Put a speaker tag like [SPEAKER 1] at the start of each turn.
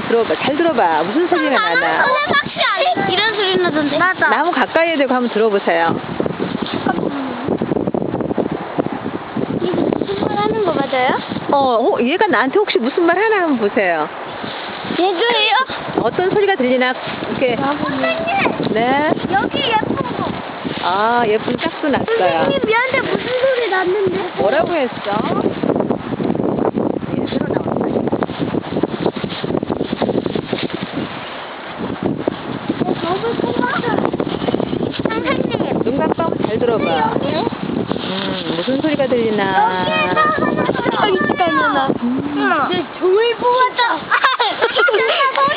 [SPEAKER 1] 들어봐. 잘 들어봐. 무슨 소리가 나나?
[SPEAKER 2] 혹시 안 이런 소리 나던데? 맞아.
[SPEAKER 1] 나무 가까이에 대고 한번 들어보세요.
[SPEAKER 2] 이거 무슨 말 하는 거 맞아요?
[SPEAKER 1] 얘가 나한테 혹시 무슨 말 하나 한번 보세요.
[SPEAKER 2] 얘도예요?
[SPEAKER 1] 어떤 소리가 들리나 이렇게.
[SPEAKER 2] 선생님!
[SPEAKER 1] 네.
[SPEAKER 2] 여기 예쁜 거.
[SPEAKER 1] 아, 예쁜 짝도 났어요.
[SPEAKER 2] 선생님 미안한데 무슨 소리 났는데?
[SPEAKER 1] 뭐라고 했어? 얘들어 나왔다.
[SPEAKER 2] 너무 고마워. 선생님.
[SPEAKER 1] 눈 감고 잘 들어봐. 무슨 소리가 들리나?
[SPEAKER 2] 여기에서 소리가 있잖아. 네, 조이 보았다.